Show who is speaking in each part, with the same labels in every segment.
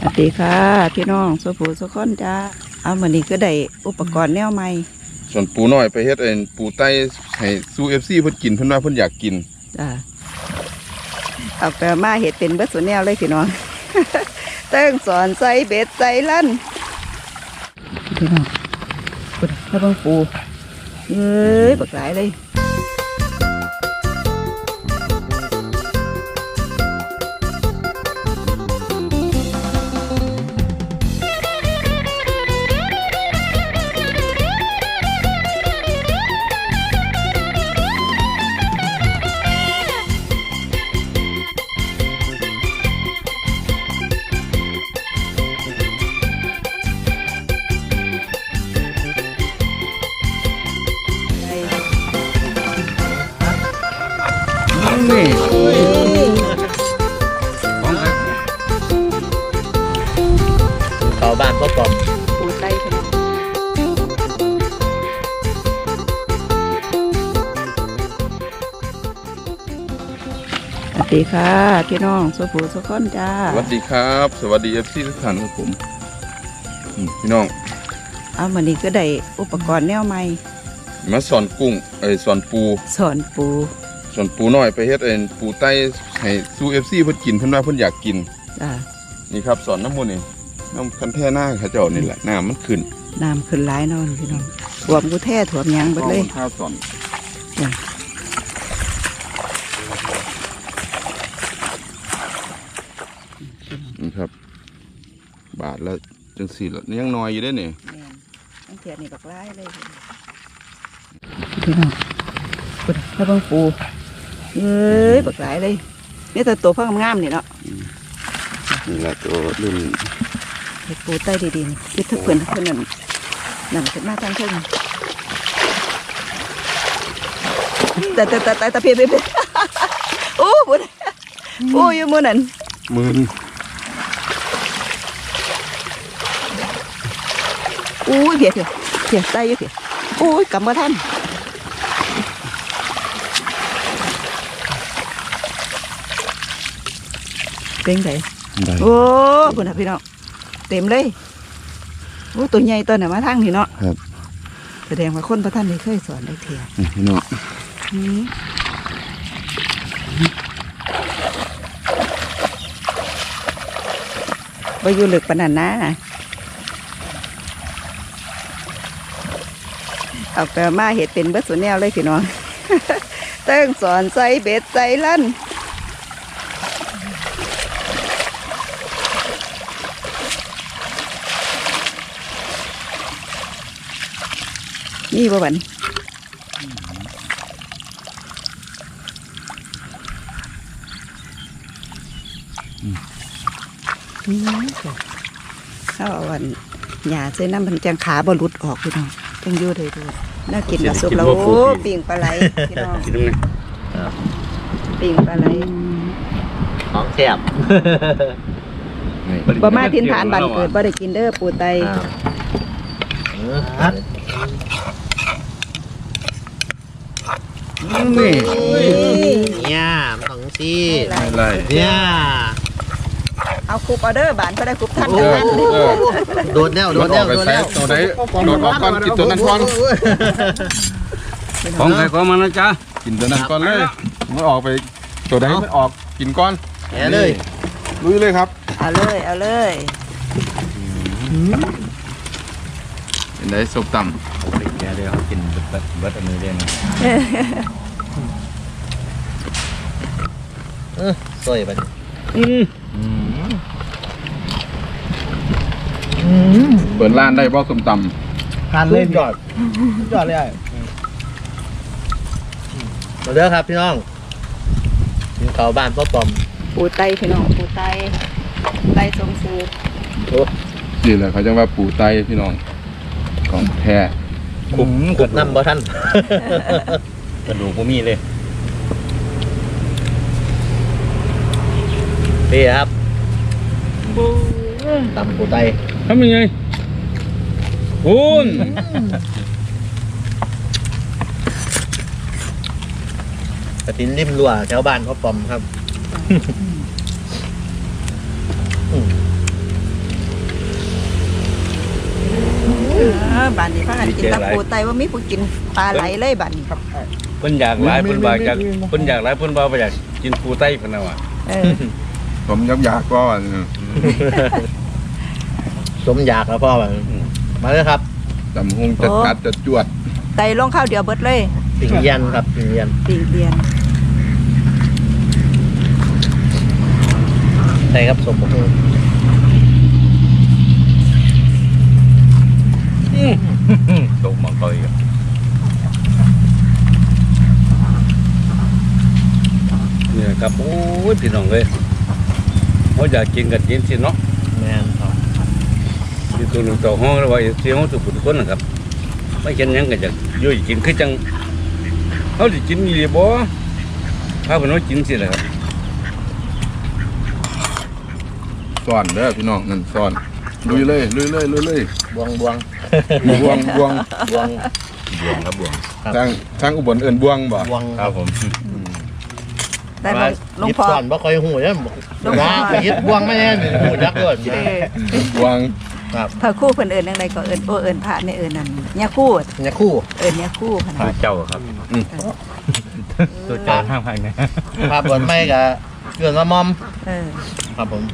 Speaker 1: สวัสดีค่ะพี่น้องสุภูสุขคนจ้าเอาเหมือนนี้ก็ได้อุปกรณ์แนวใหม่
Speaker 2: ส่วนปูน้อยไปเฮ็ดเองปูไต้ให้สู้FCเพิ่นกินเพิ่นว่าเพิ่นอยากกิน
Speaker 1: จ้าเอาไปมาเห็ดเป็นเบิดส่วนแนวเลยพี่น้อง เติ้งสอนใส่เบ็ดใส่ลั่นพี่น้องปุ๊ดให้เบิ่งปูเอ้ยบักหลายเลย
Speaker 2: นี่
Speaker 3: เขาบ้านก็ปลอม
Speaker 1: ปูไต้พี่น้องสวัสดีค่ะพี่น้องสุภูสุขคนจ้า
Speaker 2: สวัสดีครับสวัสดี FC ทุกท่านครับผมพี่น้อง
Speaker 1: เอาเหมือนนี้ก็ได้อุปกรณ์แนวใหม่
Speaker 2: มาสอนกุ้งสอนปู
Speaker 1: สอนปู
Speaker 2: น้อยไปเฮ็ดเองปูไต้ให้สู้ FC เพิ่นกินเพิ่นว่าเพิ่นอยากกิน
Speaker 1: จ้านี่
Speaker 2: ครับสอนน้ำมันนี่น้ำคันแท่หน้าเขาเจ้านี่แหละน้ำมันขึ้น
Speaker 1: หลายนอนพี่น้องถ่วมกูแท่ถ่วมยังเบิดเลย
Speaker 2: ข้าวสอนนี่ครับบาทแล้วจังสี่ละนี่ยังน้อยอยู่ได้เนี่ย
Speaker 1: ตั้งเทียนนี่บักไล่เลยพี่น้องปุ๊ดให้เบิ่งปูเอ้ยบักหลายเลยนี่แต่ตัวพังงามนี่เนาะ
Speaker 2: นี่แหละตัวรุ่น
Speaker 1: ปูใต้ดีๆนี่คิดถ้าเพื่อนนั่นขึ้นมาทางขึ้นแต่เพียบโอ้บุญโอ้ยมือนั่น
Speaker 2: มือ
Speaker 1: อู้ยเพียใต้อยู่เพียโอ้ยกำมาท่านเป็นไงโอ้คุณพี่น้องเต็มเลยโอ้ตัวใหญ่ตัวไหนมาทางนี่เนาะ
Speaker 2: ครับ
Speaker 1: แสดงว่าคนพระท่านได้เคยสอนได้เทีย
Speaker 2: พี่น้อง
Speaker 1: ไปอยู่ลึกปานนั้นนะเอาไปมาเห็ดเป็นเบิดส่วนแนวเลยพี่น้อง เติ้งสอนใส่เบ็ดใส่ลั่นนี่บ่บันเอาวันหยาใส่น้ำมันจังขาบรุดออกพี่น้องจังยู่เลยดูน่ากินกับซุปแล้วโอ้ปิ่งปลาไหลพี่น้องปิ่งปลาไหล
Speaker 3: ของแซ่บ
Speaker 1: บ่มาทินฐานบันเกิดบ่ได้กินเด้อปูไต
Speaker 2: นี่
Speaker 3: เนี่ยของซี
Speaker 2: อะไร
Speaker 3: เนี่ย
Speaker 1: เอาคุบเอาเด้อบานก็ได้คุบท่าน
Speaker 3: โดดแล้วตัวไหนโดด
Speaker 2: ออกก่อนกินตัวนั้นก่อน
Speaker 4: ของใครของมันนะจ๊ะ
Speaker 2: กินตัวนั้นก่อนเลยมันออกไปตัวไหนมันออกกินก้อน
Speaker 3: เลย
Speaker 2: ลุยเลยครับ
Speaker 1: เอาเลย
Speaker 2: เป็นได้ซุปต่ำ
Speaker 4: แกเดี๋ยวเขากินเบิดอันนี้เล่น
Speaker 3: สวยไป
Speaker 2: เปิดร้านได้บ่ส้มต
Speaker 3: ำทานเล่นยอดเลยมาเด้อครับพี่น้องกินเขาบ้านพ่อปอม
Speaker 1: ปูไตพี่น้องปูไตทรงซื้อ
Speaker 2: นี่แหละเขาจะว่าปูไตพี่น้องของแท้
Speaker 3: ขุดน้ำบ่ท่าน
Speaker 4: กระดูกพวกมีเลย
Speaker 3: นี่ครับตำปูไต
Speaker 4: ทำยังไงคุณ
Speaker 3: กระตินริมรั้วแถวบ้านพ่อปอมครับ
Speaker 1: บ้านนี้พากันกินตะปูไตว่ามีผู้กินปลาไหลเลยบ้านนี้
Speaker 4: เพิ่นอยากหลายเพิ่นบ่อยากเพิ่นอยากหลายเพิ่นบ่อยากกินปูไต้เพิ่นน่ะว่ะ
Speaker 2: ผมยับยากก่อน
Speaker 3: สมอยากแล้วพ่อมาเลยครับ
Speaker 2: ตำหงจัดกัดจัดจวด
Speaker 1: ไตลงข้าวเดียวเบิดเลย
Speaker 3: ปิ่งเย็นครับปิ่งเย็น
Speaker 1: ปีเรียน
Speaker 3: ใช่ครับสมบูรณ์
Speaker 4: ตกมังกรอีกนี่ครับโอ้ยพี่น้องเอ้ยเขาอยากกินกันกินสิเนาะ
Speaker 3: แม่นครับ
Speaker 4: ที่ตัวหนึ่งตัวห้องแล้วว่าเสียงทุกคนนะครับไม่เช่นยังก็จะยุ่ยกินคือจังเขาจะกินยี่บ่ถ้าเพิ่นว่ากินสิแหละครับ
Speaker 2: ซ่อนเด้อพี่น้องนั่นซ่อนลุยเลยลุยเลยลุยเลย
Speaker 3: บวงบวง
Speaker 2: บวงบวง
Speaker 3: บวง
Speaker 4: บวงครับบวง
Speaker 2: ทางอุบลเอิ้นบวงบ่
Speaker 3: บวง
Speaker 4: ครับผม
Speaker 1: ได้บ่หลวงพ่อ
Speaker 3: ก่อนบ่ค่อยหูเนี่ย
Speaker 1: หลวงพ่อ
Speaker 3: ว่าไปยึดบวงไม่แน่หูยักษ์เลย
Speaker 2: บวง
Speaker 3: ครับ
Speaker 1: พระคู่เพิ่นเอิ้นจังไดก็เอิ้นเอิ้นพระในเอิ้นนั่นยาคู่
Speaker 3: เนี่ยคู่
Speaker 1: เอิ้นยาคู่พะ
Speaker 4: ตัว
Speaker 1: นะ
Speaker 4: เจ้าครับตัวเจ้าห้างภายใน
Speaker 3: ภาพบนไม่กับเกินว่ามอม
Speaker 1: เออ
Speaker 3: ครับผม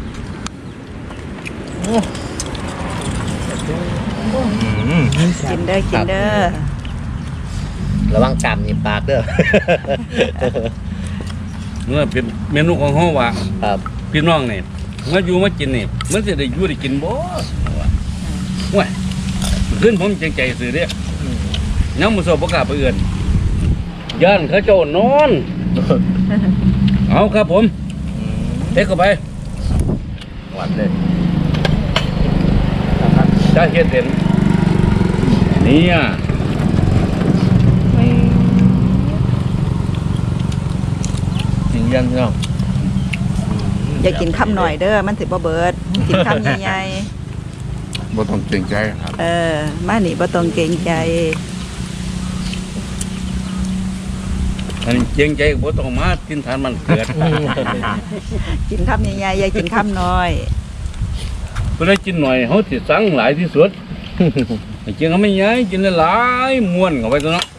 Speaker 1: กินเด้อกินเด้อ
Speaker 3: ระวังกำหยิบปากเด้อ
Speaker 4: เมื่อเป็นเมนูของห้องว่า
Speaker 3: ครับ
Speaker 4: พี่น้องนี่เมื่ออยู่มากินนี่มันจะได้อยู่ได้กินบ่ว้ายขึ้นผมจังใจสื่อเด้ยังมุสบกล้าไปเอื่นย่านเขาเจ้านอน เอาครับผมเทเข้าไป
Speaker 3: หวานเลย
Speaker 4: ถ้าเฮ็ดเด่นเนี่ย
Speaker 3: จริงยันเนาะ
Speaker 1: อย่ากินคำหน่อยเด้อมันสิบ่เบิดกินคำใหญ่
Speaker 2: บ่ต้องเกรงใจครับ
Speaker 1: ๆเออมานี่บ่ต้องเกรงใจ
Speaker 4: อันนี้เจียงใจบ่ต้องมากินทานมันเกิด
Speaker 1: กินคำใหญ่ๆอย่ากินคำน้อย
Speaker 4: เพื่อได้กินหน่อยเขาสิสั่งหลายที่สุด ให้กินเขาไม่ย้ายกินหลายๆม้วนเข้าไปตัวเนาะ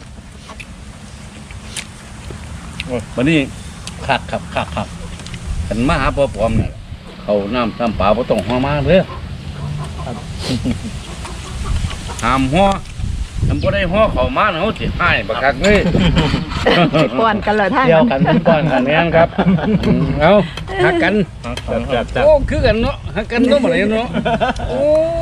Speaker 4: วันนี้
Speaker 3: คักครับคักครับ
Speaker 4: กันมาหาพ่อปอมเนี่ยเขาน้ำตามป่าบ่ต้องหัวมาเลยห้ามหัวทำบ่ได้หัวเขามาเขาสิให้บักคักเลย
Speaker 1: สิป้อนกันเลยท่าน
Speaker 3: เดียวกันเป็นก้อนกัน
Speaker 4: แม่นครับเอาหักกันโอ้คือกันเนาะหักกันเนาะบ่ได้เนาะโอ้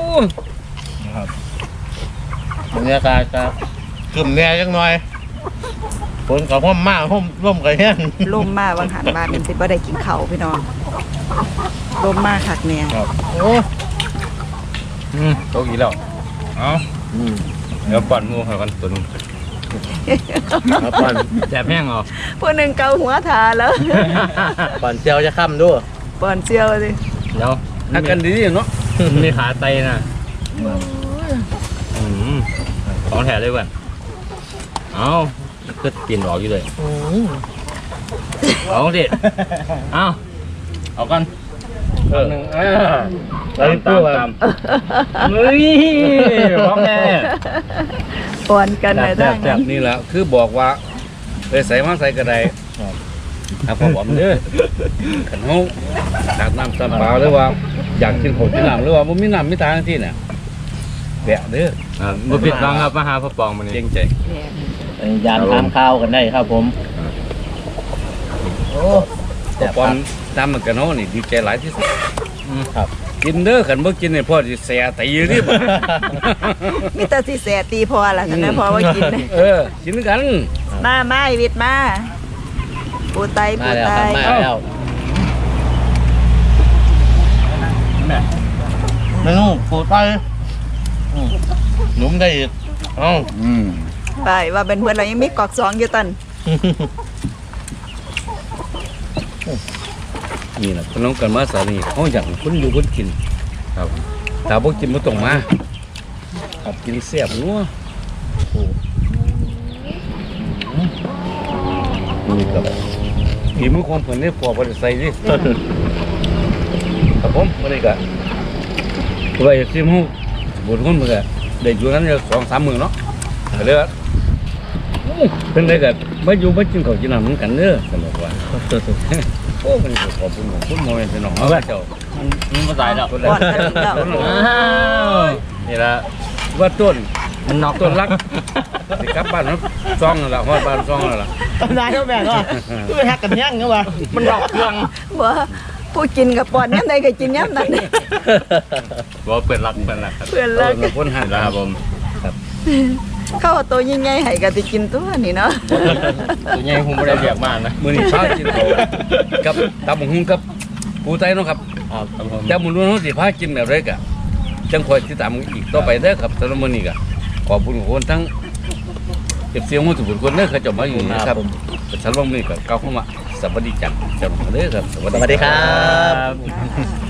Speaker 3: บรรยากาศจะกึ่มแน่จังหน่อยฝนกับห้อมมากห้อมร่มกับแห้ง
Speaker 1: ลมมาวังหันมาเป็นสิบ่ได้กินข้าวพี่น้องลมมาคักแน่
Speaker 3: ครับโอ้
Speaker 4: โตกี่แล้วเอาเดี๋ยวปั่นหมูให้กันตัวนึง
Speaker 3: ครับปั่น
Speaker 4: แซ่บแห้งเหรอ
Speaker 1: ผู้หนึงเกาหัวทาแล้ว
Speaker 3: ปั่นเจียวจะค่ำด้วย
Speaker 1: ป้อนเจียวสิ
Speaker 4: เดี๋ยวหักกันดีๆเนาะมีขาไตนะของแถเลยเว้ยเอาก็กินออกอยู่เลยเอาสิเอากันหนึ่งตามเฮ้ยของแน่
Speaker 1: ป้อนกันเลยท่าน
Speaker 4: แซ่บนี่แหละคือบอกว่าไปใส่มาใส่กระไดครับผมบอกเด้อขันเขาตักน้ำตำเปล่าหรือว่าอยากกินข้าวกินน้ำหรือว่าบ่มีน้ำมีตาที่เนี่ยแบะเด้อ
Speaker 5: บ่ผิดหวังครับมาหาพ่อปองมื้อนี้
Speaker 4: เก่งใจ
Speaker 3: ยานทานข้าวกันได้ครับผมโอ้
Speaker 4: พอปอมตามมันกันเนาะนี่ดีใจหลายที่สุด
Speaker 3: ครับ
Speaker 4: กินเด้อขันบ่กินเนี่ยพ่อสิแสตีอยู่นี่บ่
Speaker 1: มีแต่สิแสตีพอล่ะท่านนะพอว่ากินเลย
Speaker 4: กินกัน
Speaker 1: มาไอ้วิทย์มาปูไต
Speaker 3: มา
Speaker 1: ปู
Speaker 3: แล้ว
Speaker 1: ไต
Speaker 3: ครับมาแล้วเมนูปูไตหนุ่มได้อีกเอ้า
Speaker 1: ไปว่าเป็นเพื่อนเรายังมีกอกสองอยู่ตัน
Speaker 4: นี่แหละพี่น้องกันมาสาลีเขาอยากคนอยู่คนกินครับถ้าบ่กินบ่ต้องมาครับกินแซ่บนัวนี่ครับฝีมือของเพิ่นนี่พอบ่ได้ใส่ดิครับผมบ่ได้ก็ไว้ซิมฮู้บุญคนเพิ่นก็ได้อยู่นั้น2-3 มื้อเนาะก็เลยว่าเพิ่นได้ก็มาอยู่มากินข้าวกินน้ำเหมือนกันเด้อสนุกว่าโอ้มันขอบคุณของคุณโมเมนต์สนองว่าเจ้า
Speaker 5: มันมาตายแล้ว
Speaker 1: ก่อนทะลุแล้ว
Speaker 5: นี่ละ
Speaker 4: ว่าต้น
Speaker 5: มันนอก
Speaker 4: ต้นรักสิกลับบ้านเนาะซ่องนั่นล่ะฮอดบ้านซ่องนั่นล่ะ
Speaker 3: นายเขาแบ่งว่าคือฮักกันยังเนาะว่า
Speaker 5: มันนอกเครื่อง
Speaker 1: บ่ผู้กินกับปอนย่ำใดก็กินย่ำนั้น
Speaker 5: บอกเปิดรักครับ
Speaker 1: เพื่อน
Speaker 4: เอ
Speaker 1: รั
Speaker 4: อก มันคนหัน
Speaker 5: แล้วครับผม
Speaker 1: เข้าเอาตัวยิ่งใหญ่ให้ก็สิกินตัวนี่เนาะ
Speaker 5: ตัวใหญ่ผมไม่ได้เรียกมากนะ
Speaker 4: มื้อนี้พากินข้าวกับตำบักหุ่งกับปูไตเนาะครับ
Speaker 5: ครับผม
Speaker 4: แต่มื้อนู้นสิพากินแบบไรก็จังคอยติดตามอีกต่อไปเด้อครับสำหรับมื้อนี้ก็ขอบคุณทุกคนทั้งเก็บเสียงหมู่ทุกคนเด้อเขาเจะมาอยู่นะครับสำหรับมื้อนี้ก็กล่าวคำว่าสวัสดีจังจังเด้อครับ
Speaker 3: สวัสดีครับ